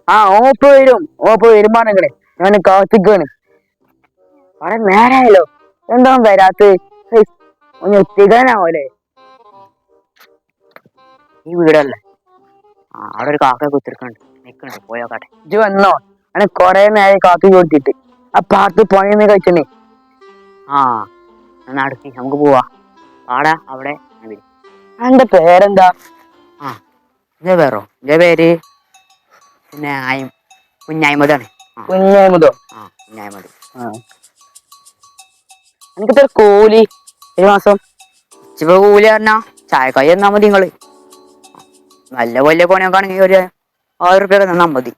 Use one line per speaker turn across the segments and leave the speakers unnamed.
ആ ഓപ്പ് വരുമ്പാണെങ്കിലേ ഞാൻ കാത്തിക്കാണ്. അവിടെ നേരായല്ലോ, എന്താ വരാത്ത ഒന്ന് എത്തിക്കാനാവൂലേ?
ഈ വീടല്ലേ? അവിടെ ഒരു കാക്ക കുത്തിരിക്കണ്ട്, നിക്കണ്ട്, പോയോക്കാട്ടെ.
ഇജ്ജ് വന്നോ? അങ്ങനെ കൊറേ നേരം കാത്തു കൊടുത്തിട്ട് ആ പാർത്ത് പണിയൊന്നും കഴിച്ചണേ.
ആ നടക്കി നമുക്ക് പോവാ. ആടാ അവിടെ
എന്റെ പേരെന്താ?
ആ ഇജ പേരോ? ഇജ പേര് പിന്നെ കുഞ്ഞായ്മതാണ്.
കുഞ്ഞായ്മതോ?
ആ കുഞ്ഞായ്മത്.
എനിക്കിത്ര കൂലി ഒരു മാസം?
ഇച്ചിപ്പോ കൂലി പറഞ്ഞാ ചായക്കായി തന്നാ മതി. നിങ്ങള് നല്ല വലിയ പണിയൊക്കെ ആണെങ്കിൽ ഒരു 1000 റുപ്യ തന്നാ മതി.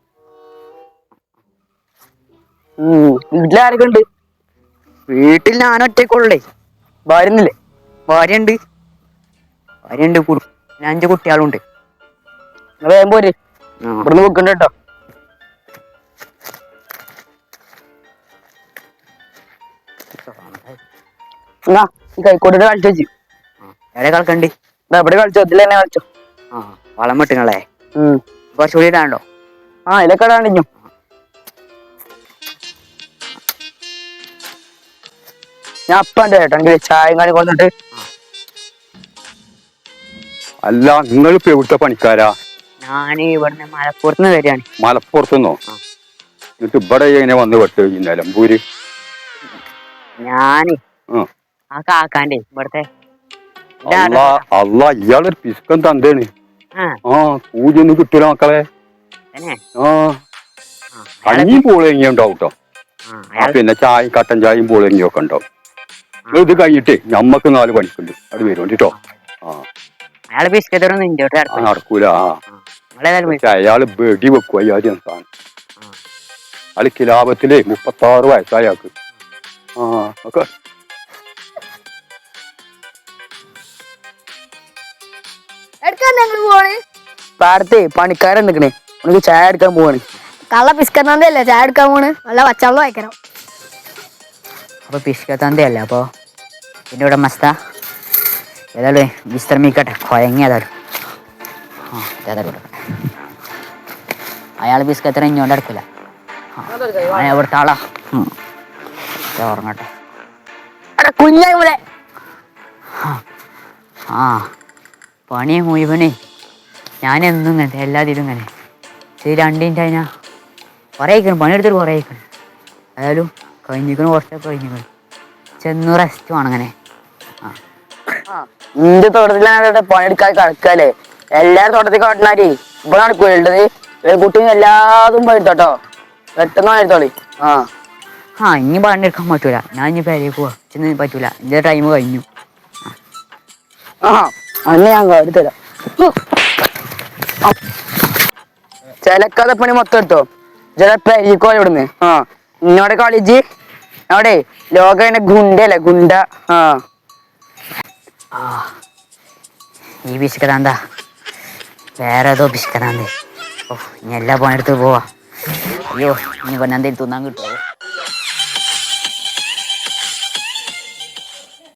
വീട്ടിലാരൊക്കെ ഉണ്ട്?
വീട്ടിൽ ഞാൻ ഒറ്റക്കുള്ളേ.
ഭാര്യന്നില്ലേ?
ഭാര്യയുണ്ട്. പിന്നെ 5 കുട്ടികളുണ്ട്.
വേഗം പോര്, ഇവിടുന്ന് വെക്കണ്ട കേട്ടോ. എന്നാ ഈ കൈക്കോട്ടിട്ട് കളിച്ചു വെച്ചു.
എവിടെ കളിക്കണ്ടി?
എവിടെ കളിച്ചോ? ഇതിൽ തന്നെ കളിച്ചോ.
വളം വെട്ടുങ്ങളെ കുറച്ചുകൂടി ഇടാണ്ടോ?
ഇതിലൊക്കെ ഇടാണ്ടിഞ്ഞു. ഞാൻ അപ്പണ്ട് കേട്ടോ എങ്കിൽ ചായ കാണി കൊണ്ടിട്ട്.
അല്ല, നിങ്ങളിപ്പോ എവിടുത്തെ പണിക്കാരാ?
ഞാന് ഇവിടുന്ന് മലപ്പുറത്ത് നിന്ന് വരികയാണ്.
മലപ്പുറത്തുനിന്നോ? എന്നിട്ട് ഇവിടെ എങ്ങനെ വന്ന് വെട്ട് നിലമ്പൂര്?
ഞാന് ആ കാക്കാന്റെ ഇവിടുത്തെ
അല്ല, ഇയാളൊരു പിസ്കൻ തന്തേണ്. പൂജയൊന്നും കിട്ടൂല മക്കളെ. കഞ്ഞിയും പൂളെങ്ങിയും ഉണ്ടാവും കേട്ടോ. പിന്നെ ചായയും കട്ടൻ ചായയും പൂളെങ്ങിയും ഒക്കെ ഉണ്ടാവും. ഇത് കഴിഞ്ഞിട്ട് ഞമ്മക്ക് 4 പണിക്കുണ്ട്, അത് വരും കേട്ടോ. നടക്കൂല. അയാള് വെടി വെക്കും. അയ്യാദ്യം സാധനം അയാള് കിലാപത്തില് 36 വയസ്സായാൾക്ക്. ഒക്കെ
പാടത്തെ പണിക്കാരൻ നിക്കണേ, നമുക്ക് ചായ എടുക്കാൻ പോവാണ്.
കള്ള പിസ്കത്തന്തല്ലേ ചായ എടുക്കാൻ പോണ്? നല്ല പച്ചവെള്ളം വായിക്കണം.
അപ്പൊ പിസ്കത്തന്തയല്ല, അപ്പൊ പിന്നെ ഇവിടെ മസ്ത ഏതായാലും വിശ്രമിക്കട്ടെ, കൊയങ്ങിയതായാലും. അയാൾ ബിസ്കത്തിന് ഇഞ്ഞോണ്ട് എടുക്കില്ല. ഇവിടുത്തെ ആളാ. ഉറങ്ങട്ടെ.
കുഞ്ഞായ്മലെ
പണി മുഴുവണേ ഞാനെന്നും ഇങ്ങനെ എല്ലാത്തിലും ഇങ്ങനെ ശരി 2 മിനിറ്റ് കഴിഞ്ഞാൽ കുറേ ആയിക്കണം, പണിയെടുത്തിട്ട് കുറേ ആയിക്കണം. ഏതായാലും കഴിഞ്ഞിക്കണം, കുറച്ചൊക്കെ കഴിഞ്ഞിക്കണം. ചെന്ന് റെസ്റ്റ് വേണം. അങ്ങനെ
നിന്റെ തോട്ടത്തിലാണ് പണിയെടുക്കാൻ കിടക്കല്ലേ. എല്ലാരും തോട്ടത്തിൽ കാട്ടിനാരി ഇവിടെ നടക്കൂലത്. കുട്ടിയും എല്ലാതും പണിയെടുത്തോട്ടോ, പെട്ടെന്ന് പണിയെടുത്തോളി.
ഇനി പണിയെടുക്കാൻ പറ്റൂല. ഞാൻ ഇനി പേരേക്ക് പോവാ. ചെന്ന് പറ്റൂല, എൻ്റെ ടൈം കഴിഞ്ഞു.
അന്ന് ഞാൻ എടുത്തരാം. ചിലക്കാതെ പണി മൊത്തം എടുത്തോ. ചിലപ്പോ ഇവിടുന്ന് ഇന്നോടെ കളിച്ച് അവിടെ ലോക ഗുണ്ടല്ലേ, ഗുണ്ട.
ഈ പിശുക്കതാന്താ വേറെ ഏതോ പിശുക്കതാന്തേ. ഇനി എല്ലാ പണിയെടുത്ത് പോവാ. അയ്യോ, ഇനി പിന്നെ എന്തേലും തിന്നാൻ കിട്ടുമോ?